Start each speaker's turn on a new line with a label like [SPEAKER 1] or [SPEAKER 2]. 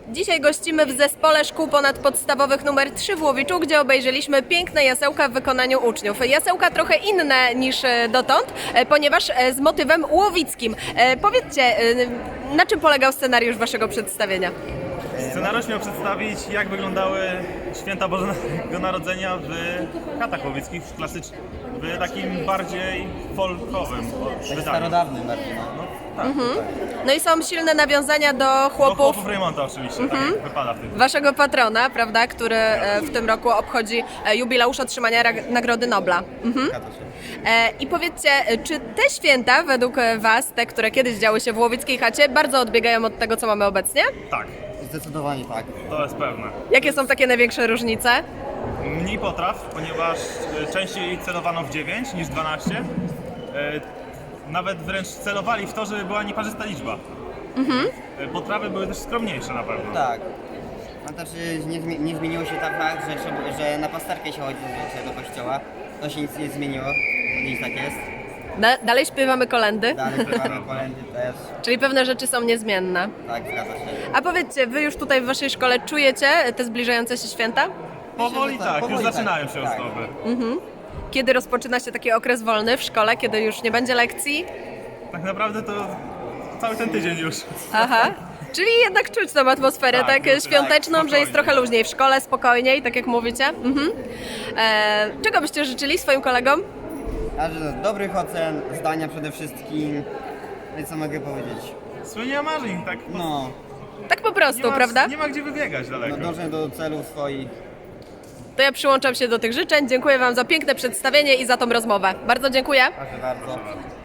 [SPEAKER 1] Dzisiaj gościmy w Zespole Szkół Ponadpodstawowych nr 3 w Łowiczu, gdzie obejrzeliśmy piękne jasełka w wykonaniu uczniów. Jasełka trochę inne niż dotąd, ponieważ z motywem łowickim. Powiedzcie, na czym polegał scenariusz waszego przedstawienia?
[SPEAKER 2] Scenariusz miał przedstawić, jak wyglądały święta Bożego Narodzenia w chatach łowickich, w takim bardziej folkowym wydaniu.
[SPEAKER 3] Starodawnym bardziej, no.
[SPEAKER 2] No, tak,
[SPEAKER 1] No i są silne nawiązania do
[SPEAKER 2] do
[SPEAKER 1] chłopów
[SPEAKER 2] chłopów Raymonta oczywiście, tak jak wypada w tym.
[SPEAKER 1] waszego patrona, prawda, który w tym roku obchodzi jubileusz otrzymania Nagrody Nobla.
[SPEAKER 3] Zgadza się.
[SPEAKER 1] I powiedzcie, czy te święta według was, te, które kiedyś działy się w łowickiej chacie, bardzo odbiegają od tego, co mamy obecnie?
[SPEAKER 2] Tak,
[SPEAKER 3] Zdecydowanie tak.
[SPEAKER 2] to jest pewne.
[SPEAKER 1] Jakie są takie największe różnice?
[SPEAKER 2] Mniej potraw, ponieważ częściej celowano w 9 niż 12. Nawet wręcz celowali w to, żeby była nieparzysta liczba. Potrawy były też skromniejsze na pewno.
[SPEAKER 3] Tak. No to czy nie zmieniło się tak fakt, że na pasterkę się chodzi zazwyczaj do kościoła. To się nic nie zmieniło. Dziś tak jest.
[SPEAKER 1] Dalej śpiewamy kolędy,
[SPEAKER 3] Dalej śpiewamy kolędy też.
[SPEAKER 1] czyli pewne rzeczy są niezmienne.
[SPEAKER 3] Tak, zgadza się.
[SPEAKER 1] A powiedzcie, wy już tutaj w waszej szkole czujecie te zbliżające się święta?
[SPEAKER 2] Powoli tak,
[SPEAKER 3] powoli
[SPEAKER 2] już
[SPEAKER 3] tak.
[SPEAKER 2] zaczynają się
[SPEAKER 3] Tak.
[SPEAKER 2] ozdoby.
[SPEAKER 1] Kiedy rozpoczyna się taki okres wolny w szkole, kiedy już nie będzie lekcji?
[SPEAKER 2] Tak naprawdę to cały ten tydzień już.
[SPEAKER 1] Aha. Czyli jednak czuć tą atmosferę
[SPEAKER 2] Tak,
[SPEAKER 1] tak,
[SPEAKER 2] tak,
[SPEAKER 1] świąteczną, że jest
[SPEAKER 2] spokojnie.
[SPEAKER 1] trochę luźniej w szkole, spokojniej, tak jak mówicie. Czego byście życzyli swoim kolegom?
[SPEAKER 3] A że dobrych ocen, zdania przede wszystkim. Więc co mogę powiedzieć?
[SPEAKER 2] Spełnienia marzeń, tak.
[SPEAKER 3] No,
[SPEAKER 1] Tak po prostu, prawda?
[SPEAKER 2] Nie ma gdzie wybiegać daleko.
[SPEAKER 3] dążę do celów swoich.
[SPEAKER 1] To ja przyłączam się do tych życzeń. Dziękuję wam za piękne przedstawienie i za tą rozmowę. Bardzo dziękuję.
[SPEAKER 3] Proszę bardzo.